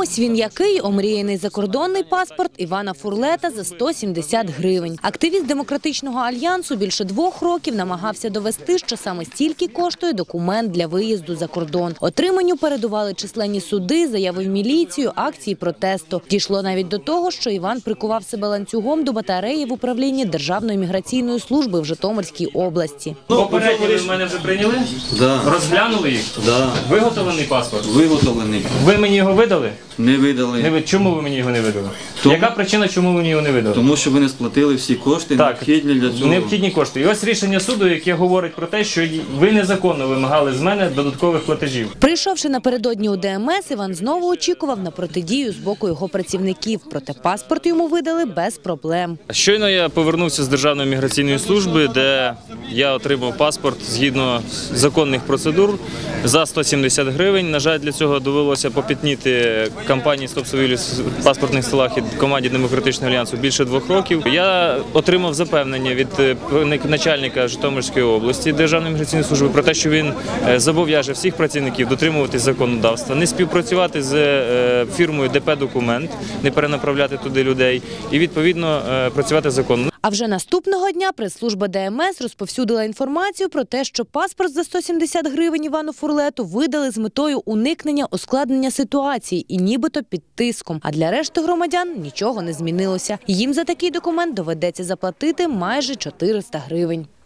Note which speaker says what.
Speaker 1: ось він який, омріяний закордонний паспорт Івана Фурлета за 170 гривень. Активіст Демократичного альянсу більше 2 років намагався довести, що саме стільки коштує документ для виїзду за кордон. Отриманню передували численні суди, заяви в міліцію, акції протесту. Дійшло навіть до того, що Іван прикував себе ланцюгом до батареї в управлінні Державної міграційної служби в Житомирській області.
Speaker 2: Попередньо ви в мене вже прийняли?
Speaker 3: Да.
Speaker 2: Розглянули їх?
Speaker 3: Да.
Speaker 2: Виготовлений паспорт?
Speaker 3: Виготовлений.
Speaker 2: Ви мені його видали?
Speaker 3: Не видали.
Speaker 2: Чому ви мені його не видали?
Speaker 3: Тому-
Speaker 2: Яка причина, чому ви мені його не видали?
Speaker 3: Тому що ви не сплатили всі кошти, необхідні для цього.
Speaker 2: Необхідні кошти. І ось рішення суду, яке говорить про те, що ви незаконно вимагали з мене додаткових платежів.
Speaker 1: Прийшовши напередодні у ДМС, Іван знову очікував на протидію з боку його працівників. Проте паспорт йому видали без проблем.
Speaker 2: Щойно я повернувся з Державної міграційної служби, де я отримав паспорт згідно законних процедур за 170 гривень. На жаль, для цього довелося попітніти кампанії «Стоп-совілі» в паспортних столах і команді Демократичного альянсу більше 2 років. Я отримав запевнення від начальника Житомирської області Державної міграційної служби про те, що він зобов'яже всіх працівників дотримуватись законодавства, не співпрацювати з фірмою ДП «Документ», не перенаправляти туди людей і, відповідно, працювати законно.
Speaker 1: А вже наступного дня прес-служба ДМС розповсюдила інформацію про те, що паспорт за 170 гривень Івану Фурлету видали з метою уникнення ускладнення ситуації і нібито під тиском. А для решти громадян нічого не змінилося. Їм за такий документ доведеться заплатити майже 400 гривень.